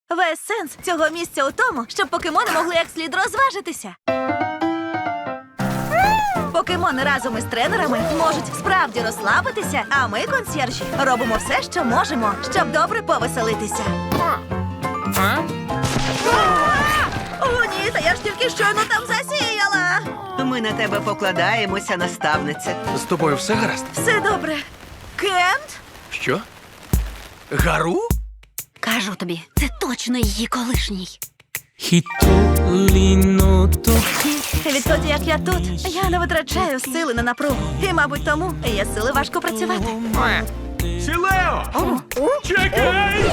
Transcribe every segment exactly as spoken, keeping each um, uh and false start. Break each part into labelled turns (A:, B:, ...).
A: Весь сенс цього місця у тому, щоб покемони могли як слід розважитися. Покемони разом із тренерами можуть справді розслабитися, а ми, консьєржі, робимо все, що можемо, щоб добре повеселитися.
B: А?
A: О, ні, та я ж тільки щойно там засіяла.
C: Ми на тебе покладаємося, наставнице.
B: З тобою все гаразд?
A: Все добре. Кент?
B: Що? Гару?
D: Кажу тобі, це точно її колишній.
E: 一人の時
A: Відтоді, як я тут, я не витрачаю сили на напругу. І, мабуть, тому є сили важко працювати.
F: Сілео! Чекай!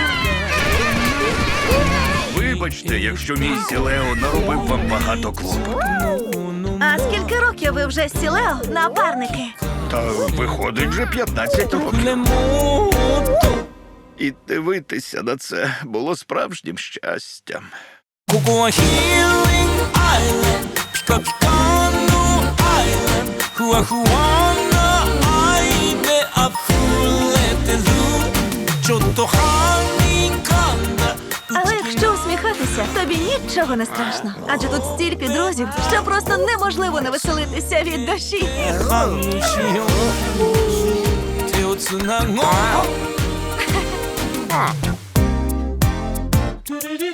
F: Вибачте, якщо мій Сілео наробив вам багато клопоту.
A: А скільки років ви вже з Сілео напарники?
F: Та виходить вже п'ятнадцять років.
E: れもっと
F: І дивитися на це було справжнім щастям.
E: ここはヒーリングアイランドピカピカのアイランドふわふわな愛で溢れてるちょっとはにかんだ
A: Але якщо усміхатися, тобі нічого не страшно. Адже тут стільки друзів, що просто неможливо не веселитися від душі.
E: ハグしよう手をつなごう